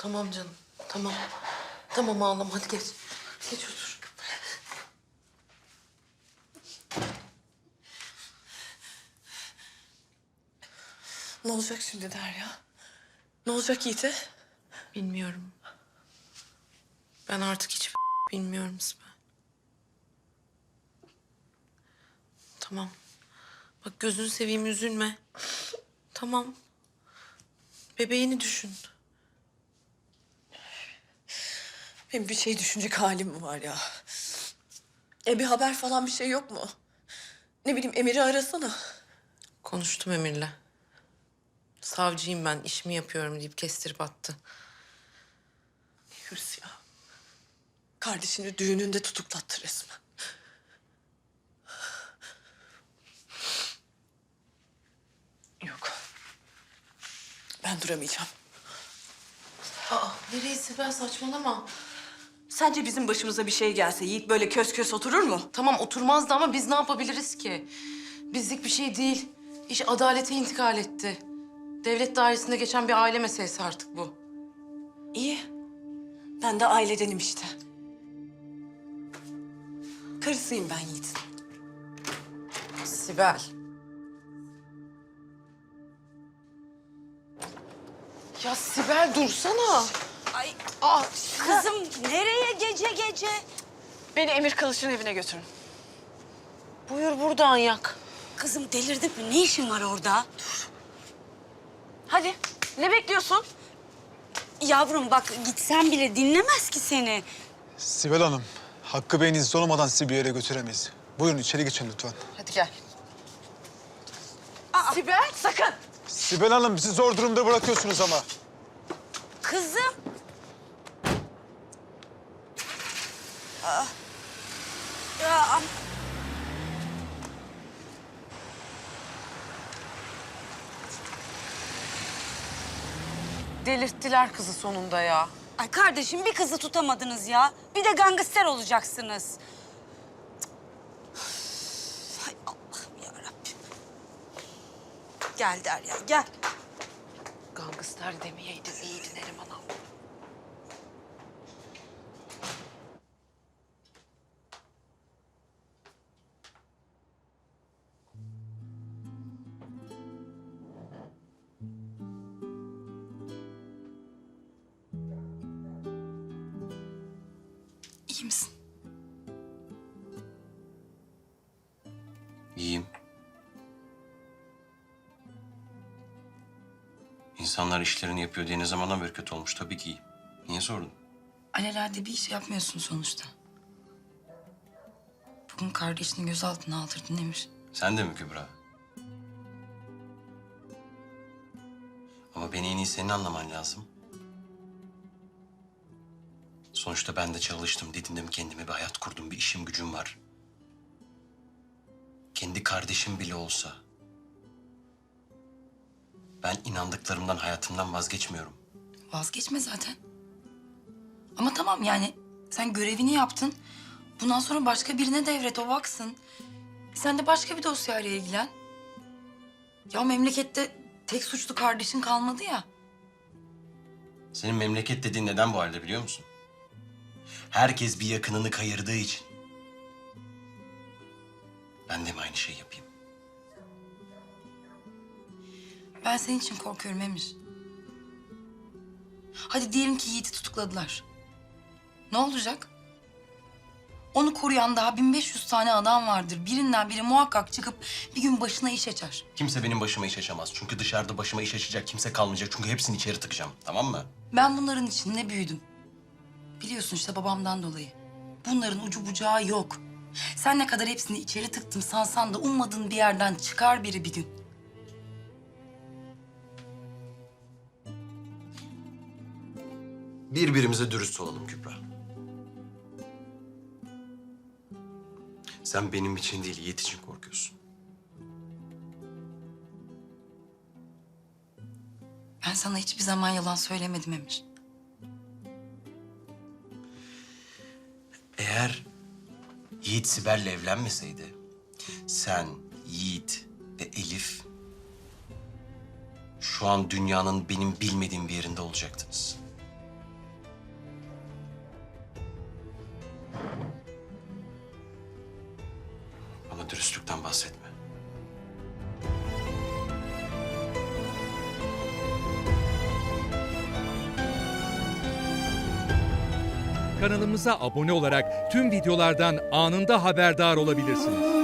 Tamam canım, tamam. Tamam ağlama, hadi geç. Geç otur. Ne olacak şimdi Derya? Ne olacak Yiğit'e? Bilmiyorum. Ben artık hiç bilmiyorum Sibel. Tamam. Bak gözünü seveyim, üzülme. Tamam. Bebeğini düşün. Benim bir şey düşünecek halim mi var ya? Bir haber falan bir şey yok mu? Ne bileyim Emir'i arasana. Konuştum Emir'le. Savcıyım ben, işimi yapıyorum deyip kestirip attı. Hırs ya. Kardeşini düğününde tutuklattı resmen. Yok. Ben duramayacağım. Nereye Sibel, saçmalama. Sence bizim başımıza bir şey gelse Yiğit böyle kös kös oturur mu? Tamam oturmazdı ama biz ne yapabiliriz ki? Bizlik bir şey değil. İş adalete intikal etti. Devlet dairesinde geçen bir aile meselesi artık bu. İyi. Ben de ailedenim işte. Karısıyım ben Yiğit'in. Sibel. Ya Sibel dursana. Ay Aa, kızım nereye gece gece? Beni Emir Kılıç'ın evine götürün. buyur buradan yak. Kızım delirdin mi? Ne işin var orada? Dur. Hadi ne bekliyorsun? Yavrum bak gitsen bile dinlemez ki seni. Sibel Hanım, Hakkı Bey'in izni olmadan sizi bir yere götüremeyiz. Buyurun içeri geçin lütfen. Hadi gel. Sibel sakın. Sibel Hanım bizi zor durumda bırakıyorsunuz ama. Kızım. Ya Delirttiler kızı sonunda ya. Ay kardeşim bir kızı tutamadınız ya. Bir de gangster olacaksınız. Hay Allah'ım yarabbim. Gel Derya gel. Gangster demeyeydin iyiydi Neriman abla. İyi misin? İyiyim. İnsanlar işlerini yapıyor diye ne zamandan beri kötü olmuş? Tabii ki iyiyim. Niye sordun? Alelade bir iş yapmıyorsun sonuçta. Bugün kardeşini gözaltına aldırdın Emir. Sen de mi Kübra? Ama beni en iyi senin anlaman lazım. Sonuçta ben de çalıştım, didindim, kendime bir hayat kurdum, bir işim gücüm var. Kendi kardeşim bile olsa ben inandıklarımdan, hayatımdan vazgeçmiyorum. Vazgeçme zaten. Ama tamam yani sen görevini yaptın. Bundan sonra başka birine devret, o baksın. Sen de başka bir dosyayla ilgilen. Ya memlekette tek suçlu kardeşin kalmadı ya. Senin memleket dediğin neden bu halde biliyor musun? Herkes bir yakınını kayırdığı için. Ben de mi aynı şeyi yapayım? Ben senin için korkuyorum Emir. Hadi diyelim ki Yiğit'i tutukladılar. Ne olacak? Onu koruyan daha 1500 tane adam vardır. Birinden biri muhakkak çıkıp bir gün başına iş açar. Kimse benim başıma iş açamaz. Çünkü dışarıda başıma iş açacak kimse kalmayacak. Çünkü hepsini içeri tıkacağım. Tamam mı? Ben bunların içinde büyüdüm. Biliyorsun işte babamdan dolayı. Bunların ucu bucağı yok. Sen ne kadar hepsini içeri tıktım sansan da ummadığın bir yerden çıkar biri bir gün. Birbirimize dürüst olalım Kübra. Sen benim için değil, Yiğit için korkuyorsun. Ben sana hiçbir zaman yalan söylemedim Emir. Eğer Yiğit Sibel'le evlenmeseydi... sen, Yiğit ve Elif... şu an dünyanın benim bilmediğim bir yerinde olacaktınız. Bana dürüstlükten bahsetme. Kanalımıza abone olarak tüm videolardan anında haberdar olabilirsiniz.